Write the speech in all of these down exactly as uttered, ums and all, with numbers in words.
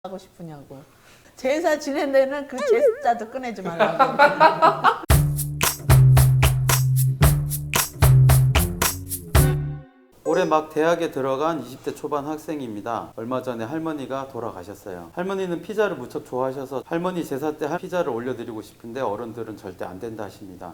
하고 싶으냐고. 제사 지낸 데는 그 제사도 꺼내지 말라고. 올해 막 대학에 들어간 이십 대 초반 학생입니다. 얼마 전에 할머니가 돌아가셨어요. 할머니는 피자를 무척 좋아하셔서 할머니 제사 때 피자를 올려드리고 싶은데 어른들은 절대 안 된다 하십니다.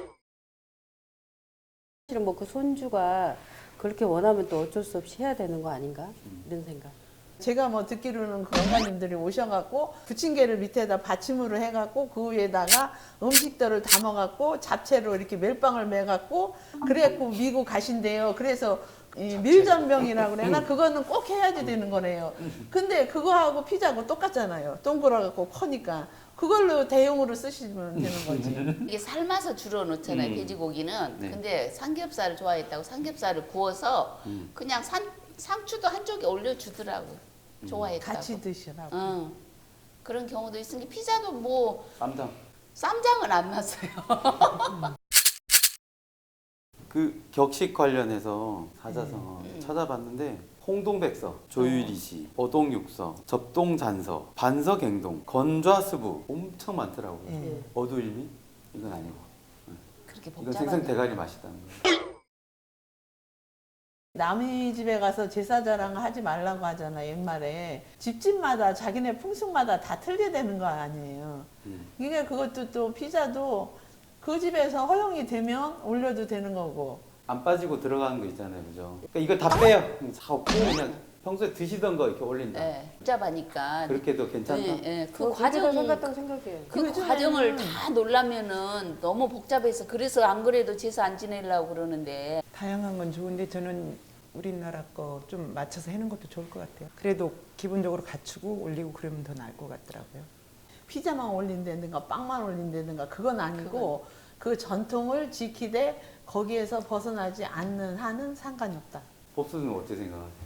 사실은 뭐 그 손주가 그렇게 원하면 또 어쩔 수 없이 해야 되는 거 아닌가 이런 생각. 제가 뭐 듣기로는 그 어머님들이 오셔갖고 부침개를 밑에다 받침으로 해갖고 그 위에다가 음식들을 담아갖고 잡채로 이렇게 멜빵을 매갖고 그래갖고 미고 가신대요. 그래서 이 밀전병이라고 그래나 그거는 꼭 해야지 되는 거네요. 근데 그거하고 피자하고 똑같잖아요. 동그랗고 커니까 그걸로 대용으로 쓰시면 되는 거지. 이게 삶아서 주로 넣잖아요. 음. 돼지고기는. 네. 근데 삼겹살을 좋아했다고 삼겹살을 구워서 음. 그냥 산, 상추도 한쪽에 올려주더라고. 좋아했다고. 같이 드시라고. 응. 그런 경우도 있으니 피자도 뭐 쌈장. 쌈장은 안 났어요. 그 격식 관련해서 사자성어 음. 찾아봤는데 홍동백서, 조유리시, 어동육서, 접동잔서, 반서갱동, 건좌수부 엄청 많더라고요. 예. 어두일미? 이건 아니고. 그렇게 이건 복잡한 생선 대가리 맛있다는 거예요. 남의 집에 가서 제사 자랑 하지 말라고 하잖아 옛말에. 집집마다 자기네 풍습마다 다 틀게 되는 거 아니에요. 음. 이게 그것도 또 피자도 그 집에서 허용이 되면 올려도 되는 거고. 안 빠지고 들어가는 거 있잖아요, 그죠? 그러니까 이걸 다 빼요. 사고 그냥 평소에 드시던 거 이렇게 올린다. 예, 복잡하니까. 그렇게도 괜찮다. 예, 예. 그 그 과정 과정 생각했다고 생각해요. 그 요즘에는 과정을 다 놀라면은 너무 복잡해서 그래서 안 그래도 제사 안 지내려고 그러는데 다양한 건 좋은데 저는 우리나라 거 좀 맞춰서 해는 것도 좋을 것 같아요. 그래도 기본적으로 갖추고 올리고 그러면 더 나을 것 같더라고요. 피자만 올린다든가 빵만 올린다든가 그건 아니고 그 전통을 지키되 거기에서 벗어나지 않는 한은 상관이 없다. 법수는 어떻게 생각하세요?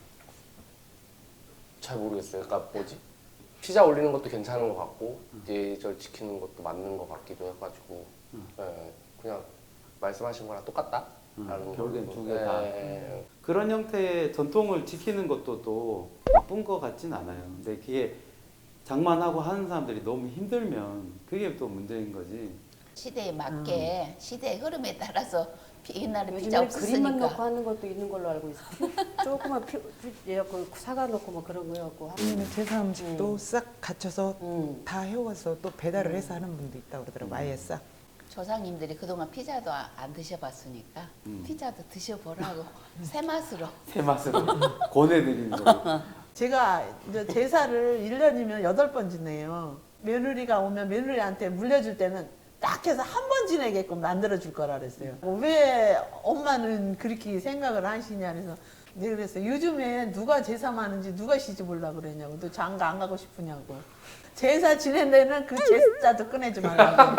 잘 모르겠어요. 그러니까 뭐지? 피자 올리는 것도 괜찮은 것 같고 예절 지키는 것도 맞는 것 같기도 해가지고 음. 예, 그냥 말씀하신 거랑 똑같다? 음, 라는 결국엔 걸로. 두 개 다. 예, 그런 형태의 전통을 지키는 것도 또 나쁜 것 같진 않아요. 근데 그게 장만하고 하는 사람들이 너무 힘들면 그게 또 문제인 거지. 시대에 맞게 시대의 흐름에 따라서 피- 옛날에 피자 요즘에 그림만 넣고 없었으니까 하는 것도 있는 걸로 알고 있어요. 피- 조그만 피, 피, 예, 그 사과 넣고 뭐 그런 거 갖고 아니면 제사 음식도 싹 갖춰서 음. 다 해와서 또 배달을 해서 하는 분도 있다고 그러더라고요. 아예 싹. 조상님들이 그동안 피자도 아- 안 드셔봤으니까 음. 피자도 드셔보라고 새 맛으로. 새 맛으로 권해드리는 거. 제가 이제 제사를 일 년이면 여덟 번 지내요. 며느리가 오면 며느리한테 물려줄 때는 딱 해서 한 번 지내게끔 만들어줄 거라 그랬어요. 왜 엄마는 그렇게 생각을 하시냐 그래서 내가 그랬어요. 요즘에 누가 제사 많은지 누가 시집 올라고 그러냐고. 너 장가 안 가고 싶으냐고. 제사 지낸 데는 그 제사도 꺼내지 말라고.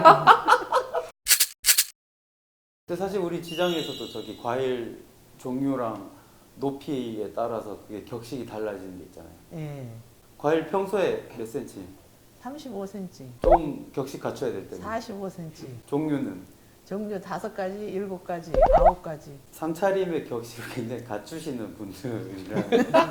근데 사실 우리 지장에서도 저기 과일 종류랑 높이에 따라서 그게 격식이 달라지는 게 있잖아요. 예. 과일 평소에 몇 센치? 삼십오 센티미터, 좀 격식 갖춰야 될 때는. 사십오 센티미터. 종류는 종류 다섯 가지, 일곱 가지, 아홉 가지. 상차림의 격식을 굉장히 갖추시는 분들이라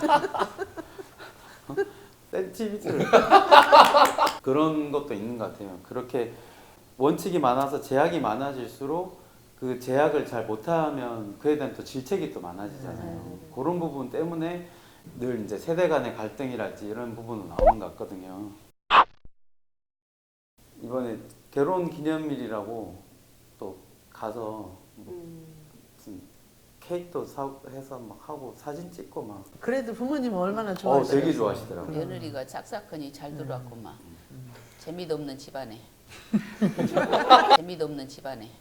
어? 센티미터를 그런 것도 있는 것 같아요. 그렇게 원칙이 많아서 제약이 많아질수록 그 제약을 잘 못하면 그에 대한 또 질책이 또 많아지잖아요. 그런 부분 때문에 늘 이제 세대 간의 갈등이랄지 이런 부분은 나오는 것 같거든요. 이번에 결혼 기념일이라고 또 가서 뭐 음. 무슨 케이크도 사 해서 막 하고 사진 찍고 막. 그래도 부모님은 얼마나 어, 좋아하시겠어요. 되게 좋아하시더라고요. 며느리가 짝사건이 잘 들어왔구만. 재미도 없는 집안에. 재미도 없는 집안에.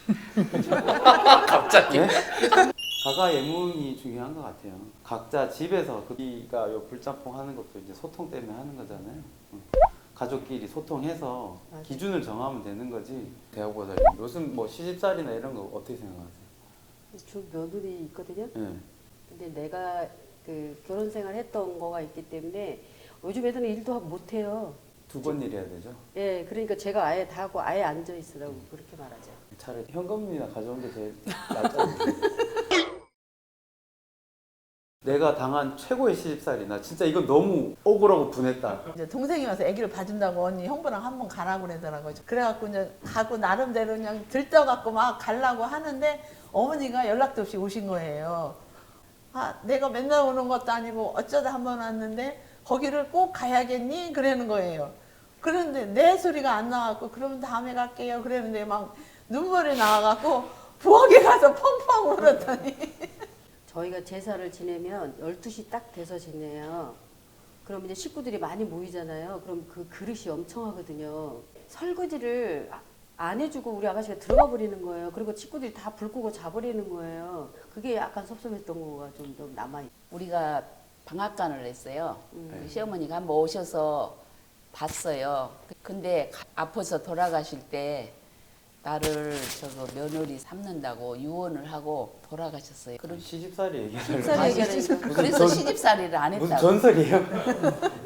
갑자기 예? 가가 예문이 중요한 것 같아요. 각자 집에서 그가 요 불짬뽕 하는 것도 이제 소통 때문에 하는 거잖아요. 응. 가족끼리 소통해서 맞아. 기준을 정하면 되는 거지. 대학보다 요즘 뭐 시집살이나 이런 거 어떻게 생각하세요? 주 며느리 있거든요. 예. 근데 내가 그 결혼 생활 했던 거가 있기 때문에 요즘 애들은 일도 못 해요. 두 번 일해야 되죠. 예, 그러니까 제가 아예 다 하고 아예 앉아 있으라고 그렇게 말하죠. 차라리 현금이나 가져온 게 제일 낫잖아요. 내가 당한 최고의 시집살이 나 진짜 이건 너무 억울하고 분했다. 이제 동생이 와서 아기를 봐준다고 언니 형부랑 한번 가라고 그러더라고요. 그래갖고 이제 가고 나름대로 그냥 들떠갖고 막 가려고 하는데 어머니가 연락도 없이 오신 거예요. 아, 내가 맨날 오는 것도 아니고 어쩌다 한번 왔는데 거기를 꼭 가야겠니? 그러는 거예요. 그런데 내 소리가 안 나왔고 그러면 다음에 갈게요. 그랬는데 막 눈물이 나와갖고 부엌에 가서 펑펑 울었더니 저희가 제사를 지내면 열두 시 딱 돼서 지내요. 그럼 이제 식구들이 많이 모이잖아요. 그럼 그 그릇이 엄청 하거든요. 설거지를 아- 안 해주고 우리 아가씨가 들어가 버리는 거예요. 그리고 친구들이 다 불 끄고 자버리는 거예요. 그게 약간 섭섭했던 거가 좀, 좀 남아있어요. 우리가 방앗간을 했어요. 음. 그 시어머니가 한번 오셔서 봤어요. 근데 가- 아파서 돌아가실 때 나를 저거 며느리 삼는다고 유언을 하고 돌아가셨어요. 그런 시집살이 얘기를 시집살이 아, 얘기하는 시집- 거. 그래서 전- 시집살이를 안 무슨 했다고. 전설이에요?